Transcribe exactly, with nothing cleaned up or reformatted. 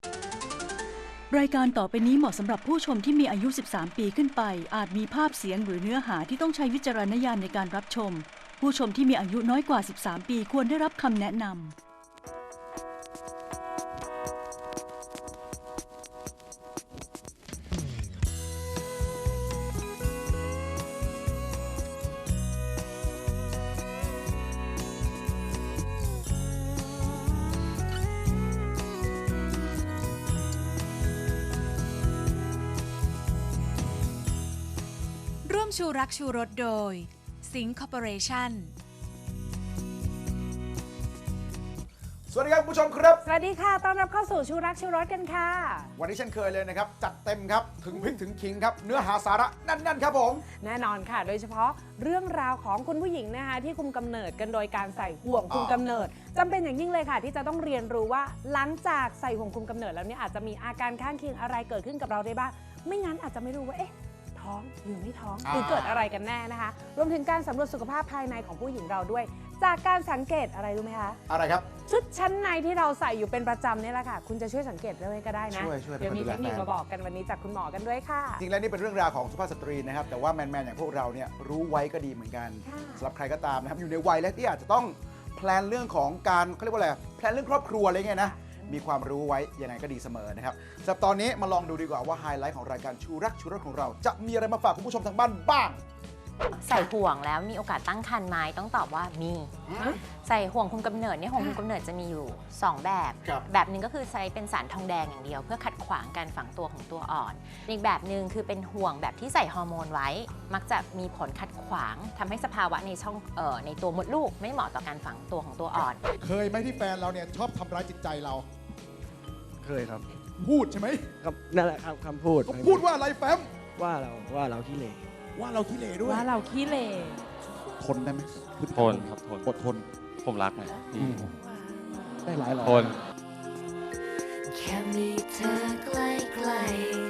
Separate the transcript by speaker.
Speaker 1: รายการต่อไปนี้เหมาะสำหรับผู้ชมที่มีอายุ สิบสาม ปีขึ้นไป อาจมีภาพเสียงหรือเนื้อหาที่ต้องใช้วิจารณญาณในการรับชม ผู้ชมที่มีอายุน้อยกว่า สิบสาม ปีควรได้รับคำแนะนำ
Speaker 2: ร่วมชูรักชูรสโดยสิงห์คอร์ปอเรชั่น
Speaker 3: สวัสดีครับคุณผู้ชมครับ
Speaker 4: สวัสดีค่ะต้อนรับเข้าสู่ชูรักชูรสกันค่ะ
Speaker 3: วันนี้เช่นเคยเลยนะครับจัดเต็มครับถึงพริกถึงขิงครับเนื้อหาสาระแน่นๆครับผม
Speaker 4: แน่นอนค่ะโดยเฉพาะเรื่องราวของคุณผู้หญิงนะคะที่คุมกำเนิดกันโดยการใส่ห่วงคุมกำเนิดจำเป็นอย่างยิ่งเลยค่ะที่จะต้องเรียนรู้ว่าหลังจากใส่ห่วงคุมกำเนิดแล้วเนี่ยอาจจะมีอาการข้างเคียงอะไรเกิดขึ้นกับเราได้บ้างไม่งั้นอาจจะไม่รู้ว่าเอ๊ะท้องหรือไม่ท้องหรือเกิดอะไรกันแน่นะคะรวมถึงการสำรวจสุขภาพภายในของผู้หญิงเราด้วยจากการสังเกตอะไรรู้ไหมคะ
Speaker 3: อะไรครับ
Speaker 4: ชุดชั้นในที่เราใส่อยู่เป็นประจำนี่แหละค่ะคุณจะช่วยสังเกตด้วยก็ได้นะ
Speaker 3: ช่วยช่วย
Speaker 4: เดี๋ยวมีเทคนิคมาบอกกันวันนี้จากคุณหมอกันด้วยค่ะ
Speaker 3: จริงแล้วนี่เป็นเรื่องราวของสุภาพสตรีนะครับแต่ว่าแมนๆอย่างพวกเราเนี่ยรู้ไว้ก็ดีเหมือนกันสำหรับใครก็ตามนะครับอยู่ในวัยและที่อาจจะต้องแพลนเรื่องของการเขาเรียกว่าอะไรแพลนเรื่องครอบครัวอะไรเงี้ยนะมีความรู้ไว้ยังไงก็ดีเสมอนะครับสำหรับตอนนี้มาลองดูดีกว่าว่าไฮไลท์ของรายการชูรักชูรสของเราจะมีอะไรมาฝากคุณผู้ชมทางบ้านบ้าง
Speaker 5: ใส่ห่วงแล้วมีโอกาสตั้งครรภ์ไหมต้องตอบว่ามีใส่ห่วงคุมกำเนิดเนี่ยห่วงคุมกำเนิดจะมีอยู่สองแบบ แบบหนึ่งก็คือใช้เป็นสารทองแดงอย่างเดียวเพื่อขัดขวางการฝังตัวของตัวอ่อนอีกแบบหนึ่งคือเป็นห่วงแบบที่ใส่ฮอร์โมนไว้มักจะมีผลขัดขวางทำให้สภาวะในช่องเอ่อในตัวมดลูกไม่เหมาะต่อการฝังตัวของตัวอ่อน
Speaker 6: เคยไหมที่แฟนเราเนี่ยชอบทำร้ายจิตใจเรา
Speaker 7: เคยครับ
Speaker 6: พูดใช่ไหม
Speaker 7: ครับนั่นแหละครับคำพูด
Speaker 6: เขาพูดว่าอะไรแฟม
Speaker 7: ว่าเราว่าเราขี้เหร่
Speaker 6: ว่าเราขี้เหร่ด้วย
Speaker 4: ว่าเราขี้เหร่
Speaker 6: ทนได้ไหม
Speaker 8: ทนครับทน
Speaker 6: อดทน
Speaker 8: ผมรักไง
Speaker 6: ได้หลายหลอ
Speaker 8: ทน
Speaker 9: แค่มีเธอใกล้ๆ